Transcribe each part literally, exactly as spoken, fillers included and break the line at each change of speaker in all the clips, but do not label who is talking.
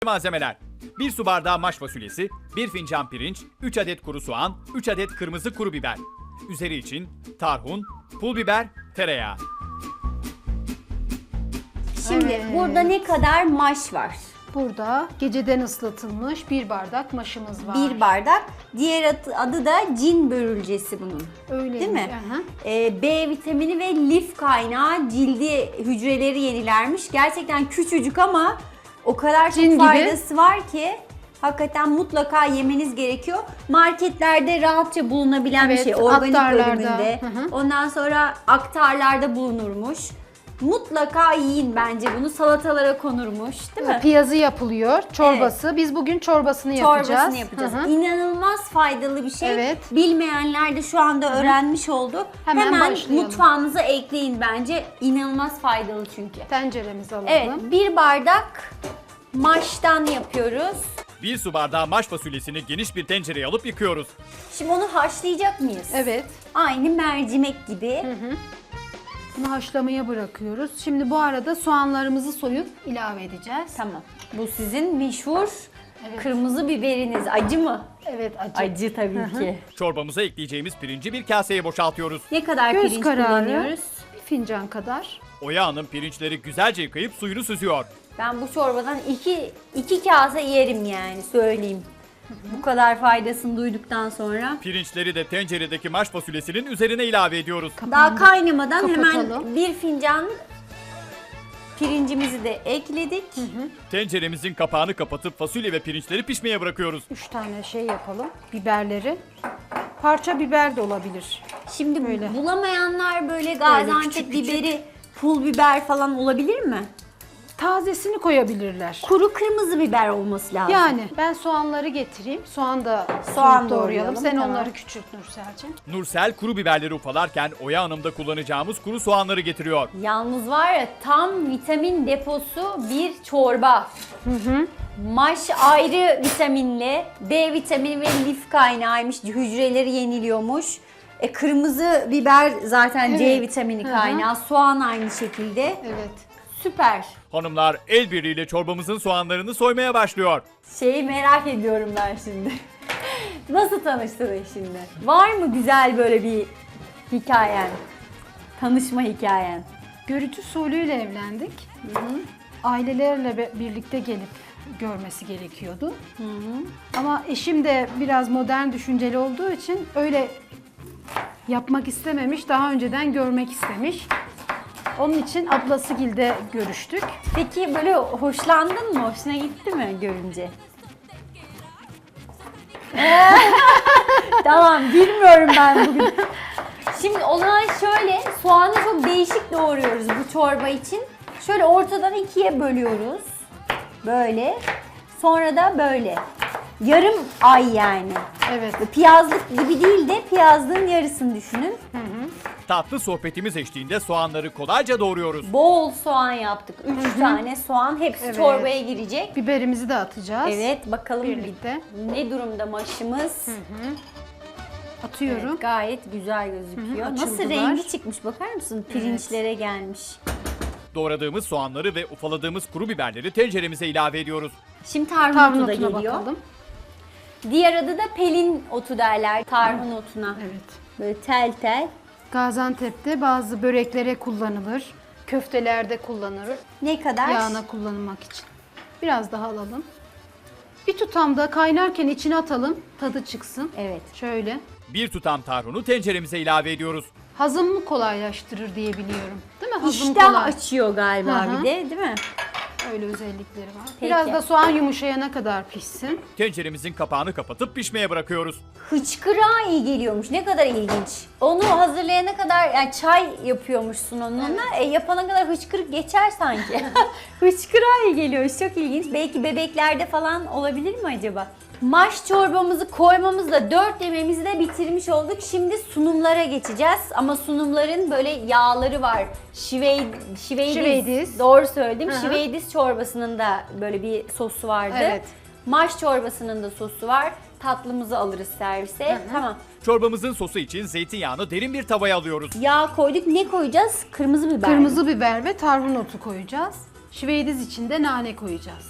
Malzemeler: bir su bardağı maş fasulyesi, bir fincan pirinç, üç adet kuru soğan, üç adet kırmızı kuru biber. Üzeri için tarhun, pul biber, tereyağı.
Şimdi
Evet.
burada ne kadar maş var?
Burada geceden ıslatılmış bir bardak maşımız var.
Bir bardak. Diğer adı, adı da cin börülcesi bunun.
Öyle
Değil mi?
Aha.
Ee, B vitamini ve lif kaynağı, cildi hücreleri yenilermiş. Gerçekten küçücük ama o kadar
Cin
çok
gibi.
faydası var ki hakikaten mutlaka yemeniz gerekiyor. Marketlerde rahatça bulunabilen
Evet,
bir şey. Organik
aktarlarda.
bölümünde.
Hı hı.
Ondan sonra aktarlarda bulunurmuş. Mutlaka yiyin bence bunu. Salatalara konurmuş, değil mi?
Piyazı yapılıyor, çorbası. Biz bugün çorbasını yapacağız.
Çorbasını yapacağız.
Hı hı.
İnanılmaz faydalı bir şey.
Evet.
Bilmeyenler de şu anda öğrenmiş oldu.
Hemen
Hemen
başlayalım.
mutfağınıza ekleyin bence. İnanılmaz faydalı çünkü.
Tenceremizi alalım.
Evet, bir bardak maştan yapıyoruz.
bir su bardağı maş fasulyesini geniş bir tencereye alıp yıkıyoruz.
Şimdi onu haşlayacak mıyız?
Evet.
Aynı mercimek gibi.
Bunu haşlamaya bırakıyoruz. Şimdi bu arada soğanlarımızı soyup ilave edeceğiz.
Tamam. Bu sizin meşhur
Evet.
kırmızı biberiniz. Acı mı?
Evet, acı.
Acı tabii ki.
Çorbamıza ekleyeceğimiz pirinci bir kaseye boşaltıyoruz.
Ne kadar
Göz
pirinç
kararı
kullanıyoruz?
bir fincan kadar.
Oya Hanım pirinçleri güzelce yıkayıp suyunu süzüyor.
Ben bu çorbadan iki, iki kase yerim yani söyleyeyim. Bu kadar faydasını duyduktan sonra.
Pirinçleri de tenceredeki maş fasulyesinin üzerine ilave ediyoruz.
Daha kaynamadan hemen
Kapatalım.
bir fincan pirincimizi de ekledik.
Tenceremizin kapağını kapatıp fasulye ve pirinçleri pişmeye bırakıyoruz.
Üç tane şey yapalım. Biberleri. Parça biber de olabilir.
Şimdi
Böyle.
bulamayanlar böyle Gaziantep
küçük küçük.
biberi, pul biber falan olabilir mi?
Tazesini koyabilirler.
Kuru kırmızı biber olması lazım.
Yani ben soğanları getireyim. Soğan da
Soğan
soğan doğrayalım.
doğrayalım,
Sen
tamam.
onları küçült Nursel'cim.
Nursel kuru biberleri ufalarken Oya Hanım da kullanacağımız kuru soğanları getiriyor.
Yalnız var ya tam vitamin deposu bir çorba. Maş ayrı vitaminli, B vitamini ve lif kaynağıymış, hücreleri yeniliyormuş. E, kırmızı biber zaten C
Evet.
vitamini
Hı hı.
kaynağı, soğan aynı şekilde.
Evet.
Süper.
Hanımlar el birliğiyle çorbamızın soğanlarını soymaya başlıyor.
Şeyi merak ediyorum ben şimdi. Nasıl tanıştınız şimdi? Var mı güzel böyle bir hikayen? Tanışma hikayen.
Görücü usulüyle evlendik. Ailelerle be- birlikte gelip görmesi gerekiyordu. Ama eşim de biraz modern düşünceli olduğu için öyle yapmak istememiş. Daha önceden görmek istemiş. Onun için ablasıgilde görüştük.
Peki böyle hoşlandın mı? Hoşuna gitti mi görünce? Tamam, bilmiyorum ben bugün. Şimdi o zaman şöyle, soğanı çok değişik doğruyoruz bu çorba için. Şöyle ortadan ikiye bölüyoruz. Böyle. Sonra da böyle. Yarım ay yani.
Evet.
Piyazlık gibi değil de piyazlığın yarısını düşünün.
Tatlı sohbetimiz eşliğinde soğanları kolayca doğruyoruz.
Bol soğan yaptık. Üç tane soğan. Hepsi
Evet.
çorbaya girecek.
Biberimizi de atacağız.
Evet, bakalım
Birlikte.
ne durumda maşımız.
Atıyorum.
Evet, gayet güzel gözüküyor.
Hı hı,
Nasıl
açıldılar.
rengi çıkmış bakar mısın? Pirinçlere gelmiş.
Doğradığımız soğanları ve ufaladığımız kuru biberleri tenceremize ilave ediyoruz.
Şimdi tarhun,
Tarhun
otu da
otuna
geliyor.
bakalım.
Diğer adı da pelin otu derler tarhun otuna.
Evet.
Böyle tel tel.
Gaziantep'te bazı böreklere kullanılır. Köftelerde kullanılır.
Ne kadar?
Yağına kullanılmak için. Biraz daha alalım. Bir tutamda kaynarken içine atalım. Tadı çıksın.
Evet.
Şöyle.
Bir tutam tarhunu tenceremize ilave ediyoruz.
Hazımı kolaylaştırır diye biliyorum. Değil mi? Hazım
İştah
kolay.
açıyor galiba
Hı hı.
bir de, değil mi?
Öyle özellikleri var.
Peki.
Biraz da soğan yumuşayana kadar pişsin.
Tenceremizin kapağını kapatıp pişmeye bırakıyoruz.
Hıçkırağa iyi geliyormuş. Ne kadar ilginç. Onu hazırlayana kadar yani çay yapıyormuşsun onunla. E, yapana kadar hıçkırık geçer sanki. Hıçkırağa iyi geliyormuş. Çok ilginç. Belki bebeklerde falan olabilir mi acaba? Maş çorbamızı koymamızla dört yemeğimizi de bitirmiş olduk. Şimdi sunumlara geçeceğiz. Ama sunumların böyle yağları var. Şivey, şiveydiz.
Şiveydiz.
Doğru söyledim.
Hı hı.
Şiveydiz çorbasının da böyle bir sosu vardı.
Evet.
Maş çorbasının da sosu var. Tatlımızı alırız servise. Tamam.
Çorbamızın sosu için zeytinyağını derin bir tavaya alıyoruz.
Yağ koyduk. Ne koyacağız? Kırmızı biber. mi?
Kırmızı biber ve tarhun otu koyacağız. Şiveydiz için de nane koyacağız.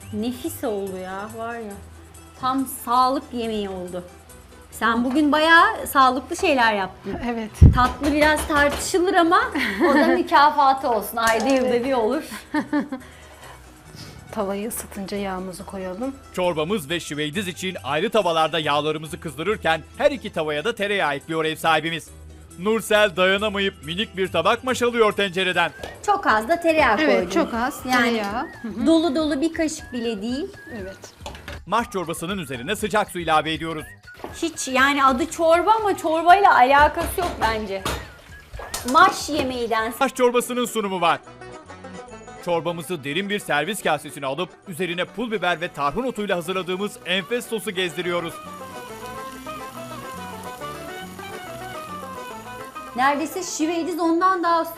Nefis oldu ya, var ya. Tam sağlık yemeği oldu. Sen bugün bayağı sağlıklı şeyler yaptın.
Evet.
Tatlı biraz tartışılır ama o da mükafatı olsun. Ayda yılda bir olur.
Tavayı ısıtınca yağımızı koyalım.
Çorbamız ve şiveydiz için ayrı tavalarda yağlarımızı kızdırırken her iki tavaya da tereyağı ekliyor ev sahibimiz. Nursel dayanamayıp minik bir tabak maşalıyor tencereden.
Çok az da tereyağı koydum.
Evet, çok az
Yani
tereyağı.
dolu dolu bir kaşık bile değil.
Evet.
Maş çorbasının üzerine sıcak su ilave ediyoruz.
Hiç yani adı çorba ama çorbayla alakası yok bence. Maş yemeğiden.
Maş çorbasının sunumu var. Çorbamızı derin bir servis kasesine alıp üzerine pul biber ve tarhun otuyla hazırladığımız enfes sosu gezdiriyoruz.
Neredeyse şiveydiz ondan daha